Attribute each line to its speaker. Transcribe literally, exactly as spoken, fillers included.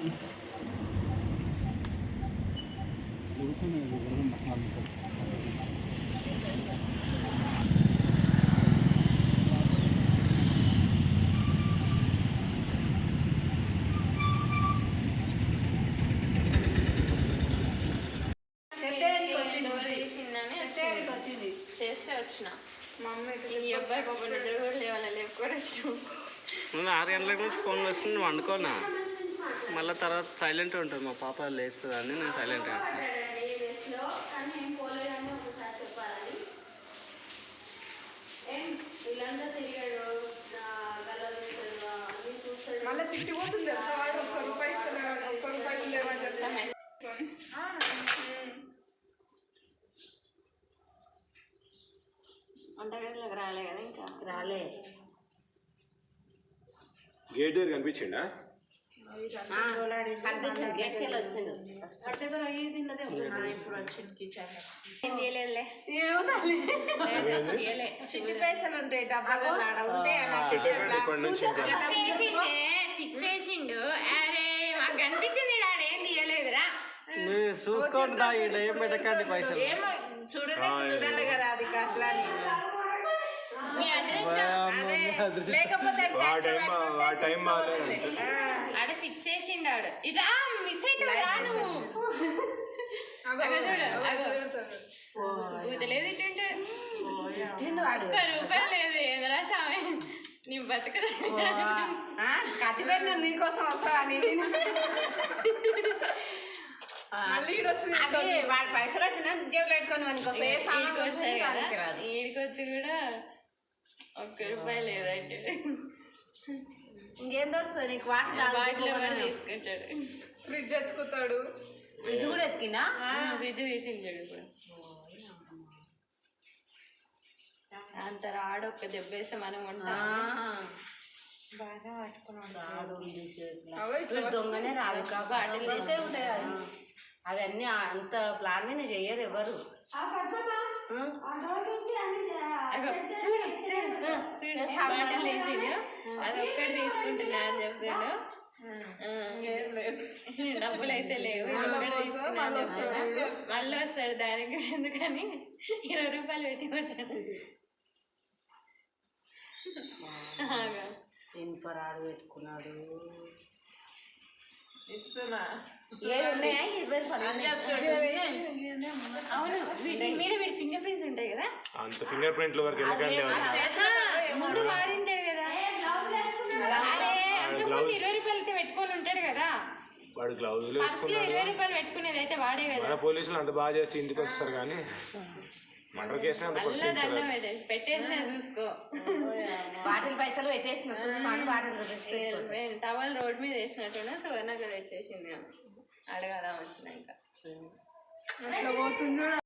Speaker 1: చేస్తే వచ్చిన మమ్మీ ఈ అబ్బాయి పాప నిద్ర కూడా లేవాలి లేపుకొని వచ్చిన
Speaker 2: నేను ఆరు గంటల నుంచి ఫోన్ వేసుకుని నువ్వు వండుకోనా మళ్ళీ తర్వాత సైలెంట్ ఉంటుంది మా పాప లేస్తుంది అని నేను సైలెంట్
Speaker 1: మళ్ళీ తిట్టిపోతుంది ఒక్క రూపాయి ఒక్క రూపాయలు లేవని చెప్తాను. వంటగదిలోకి రాలే కదా ఇంకా రాలే.
Speaker 3: గేట్ దగ్గర కనిపించిండా?
Speaker 1: కనిపించింది గేట్కి వెళ్ళి వచ్చిండు. చిట్టి పైసలు ఉంటాయి డబ్బాలు చేసిండు. అరే మాకు కనిపించింది డాడీ ఏం తీయలేదురా
Speaker 2: చూసుకోండి ఏం పెట్టకండి పైసలు
Speaker 1: చూడండి చూడాలి కదా అది అట్లా మీ అడ్రస్ లేకపోతే ఆడ స్విచ్ చేసిండు ఆడు ఇట్లా మిస్ అవుతావు చూడు లేదు ఇటుంటే ఒక్క రూపాయలు లేదు ఏదరా సామె నీ బతుకదా కట్టిపోయిన నీకోసం వస్తా అని వాడి పైసలు వచ్చినా జేబులు పెట్టుకొని ఈడికొచ్చి కూడా ఒక్క రూపాయలు లేదంటే ఇంకేం దొరుకుతుంది నీకు వాటర్ వాటిలో తీసుకుంటాడు. ఫ్రిడ్జ్ ఎత్తుకుతాడు. ఫ్రిడ్జ్ కూడా ఎత్తికినా ఫ్రిడ్జ్ తీసించాడు ఇప్పుడు అంత రాడు ఒక్క దెబ్బ వేస్తే మనం ఉంటాం బాగా పట్టుకున్నాడు దొంగనే రాదు కాబట్టి అవన్నీ అంత ప్లాన్ చెయ్యరు ఎవరు. బాటలు వేసిండు అది ఒక్కటి తీసుకుంటున్నా అని చెప్పాడు. డబ్బులు అయితే లేవు మళ్ళీ వస్తాడు దానికి ఎందుకని ఇరవై రూపాయలు పెట్టి పోతాడు. ఇనుపరాడు పెట్టుకున్నాడు. అవును వీటి మీద వీడి ఫింగర్ ప్రింట్స్ ఉంటాయి కదా
Speaker 3: అంత ఫింగర్ ప్రింట్ల వరకు
Speaker 1: ముందు వాడింటాడు కదా ఇరవై రూపాయలు అయితే పెట్టుకొని ఉంటాడు కదా
Speaker 3: వాడు గ్లౌజులు
Speaker 1: ఇరవై రూపాయలు పెట్టుకునేది అయితే వాడే కదా.
Speaker 3: పోలీసులు అంత బాగా చేస్తే ఇంటికి వస్తారు కానీ మర్డర్ కేసు
Speaker 1: పెట్టేసిన చూసుకో వాటిల్ పైసలు పెట్టేసిన చూసుకోండి వాటిల్ టవల్ రోడ్ మీద వేసినట్టున్నా సువర్ణకు తెచ్చేసింది అడగాల వచ్చినాక అట్లా పోతుందో